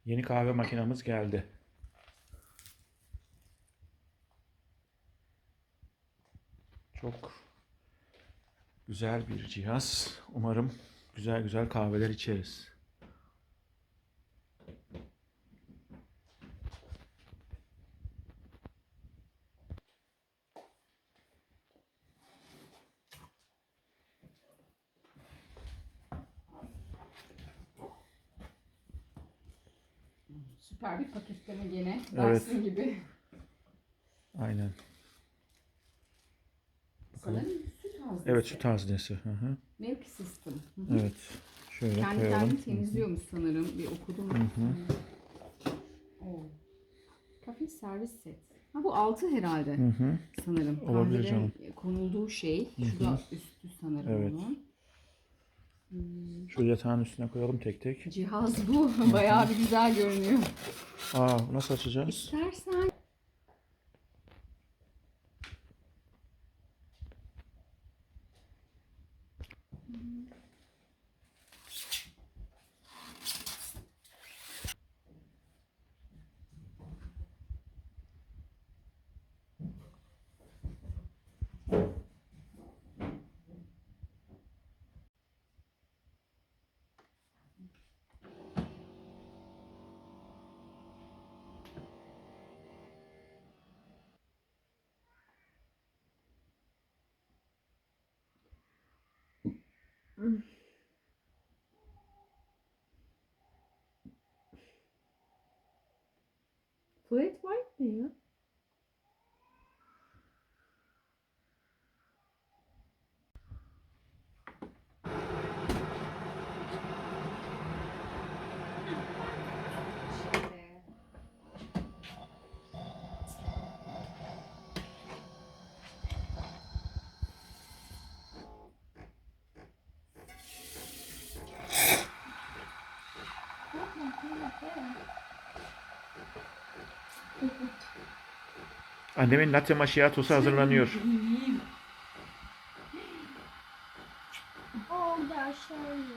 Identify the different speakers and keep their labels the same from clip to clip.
Speaker 1: Yeni kahve makinamız geldi. Çok güzel bir cihaz. Umarım güzel güzel kahveler içeriz.
Speaker 2: Süper bir paketleme gene.
Speaker 1: Evet.
Speaker 2: Dyson gibi.
Speaker 1: Aynen.
Speaker 2: Sanırım süt haznesi.
Speaker 1: Evet, süt haznesi. Hı hı.
Speaker 2: Milk system. Hı hı.
Speaker 1: Evet. Şöyle
Speaker 2: Kendi
Speaker 1: koyalım.
Speaker 2: kendini temizliyormuş sanırım. Bir okudum. Oo. Kafe servis set. Ha bu altı herhalde.
Speaker 1: Hı hı.
Speaker 2: Sanırım.
Speaker 1: Olabilir
Speaker 2: Kahvelerin
Speaker 1: canım.
Speaker 2: konulduğu şey. Şu da üstü sanırım
Speaker 1: Evet.
Speaker 2: onun.
Speaker 1: Şu yatağın üstüne koyalım tek tek.
Speaker 2: Cihaz bu. Bayağı bir güzel görünüyor.
Speaker 1: Nasıl açacağız?
Speaker 2: İstersen flat white ne ya?
Speaker 1: Annemin latte macchiato'su hazırlanıyor.
Speaker 3: Oldu aşağıya.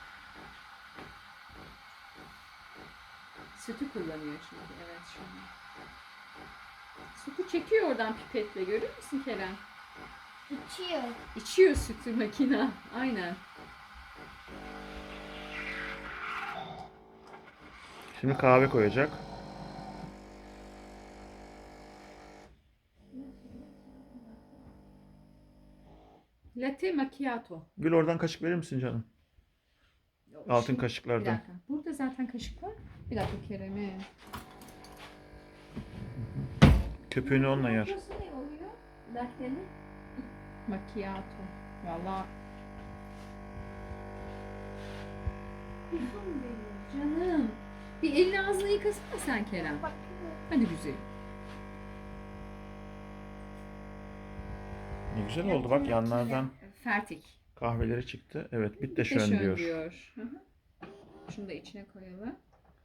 Speaker 2: Sütü kullanıyor çünkü. Evet şu an. Sütü çekiyor oradan pipetle. Görüyor musun Kerem?
Speaker 3: İçiyor.
Speaker 2: İçiyor sütü makina. Aynen.
Speaker 1: Şimdi kahve koyacak.
Speaker 2: Latte macchiato.
Speaker 1: Gül oradan kaşık verir misin canım? Altın
Speaker 2: Bir
Speaker 1: kaşıklardan.
Speaker 2: dakika. Burada zaten kaşık var. Bir dakika Kerem'e.
Speaker 1: Köpüğünü onunla yer.
Speaker 3: Burası ne oluyor? Latte'nin.
Speaker 2: Macchiato. Valla
Speaker 3: Kuzum benim.
Speaker 2: canım. Bir elini ağzını yıkasana sen Kerem.
Speaker 3: Bak.
Speaker 2: Hadi güzel.
Speaker 1: Ne güzel oldu bak yanlardan
Speaker 2: Fertik.
Speaker 1: kahveleri çıktı. Evet, bitte
Speaker 2: Bir de
Speaker 1: schön
Speaker 2: şön
Speaker 1: diyor.
Speaker 2: diyor. Hı hı. Şunu da içine koyalım.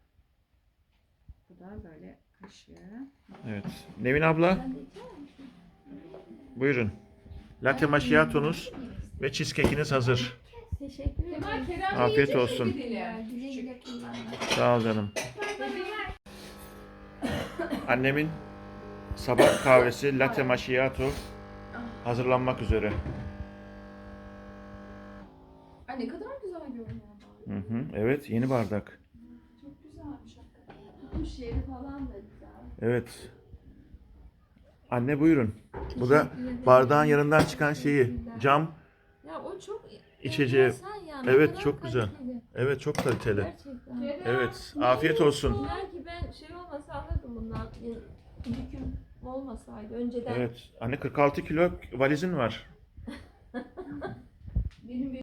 Speaker 2: Bu da böyle kaşığı.
Speaker 1: Evet. Nevin abla, buyurun. Latte macchiato'nuz ve cheesecake'iniz hazır.
Speaker 3: Teşekkür ederim.
Speaker 1: Afiyet olsun.
Speaker 3: Güle güle kullanın.
Speaker 1: Sağ ol canım. Annemin sabah kahvesi latte macchiato hazırlanmak üzere.
Speaker 2: Ay ne kadar güzel görünüyor.
Speaker 1: Hı hı. Evet, yeni bardak.
Speaker 2: Çok güzelmiş hakikaten.
Speaker 3: Kuş yeri falan da güzel.
Speaker 1: Evet. Anne buyurun. Bu da bardağın yanından çıkan cam
Speaker 3: Ya o çok
Speaker 1: içeceği.
Speaker 3: enteresan ya, ne
Speaker 1: Evet,
Speaker 3: kadar
Speaker 1: çok güzel.
Speaker 3: kaliteli.
Speaker 1: Evet, çok kaliteli.
Speaker 3: Gerçekten.
Speaker 1: Evet, afiyet olsun.
Speaker 3: Belki ben şey olmasa alırdım bundan. Yüküm olmasaydı önceden.
Speaker 1: Evet, anne 46 kilo valizin var.
Speaker 3: Benim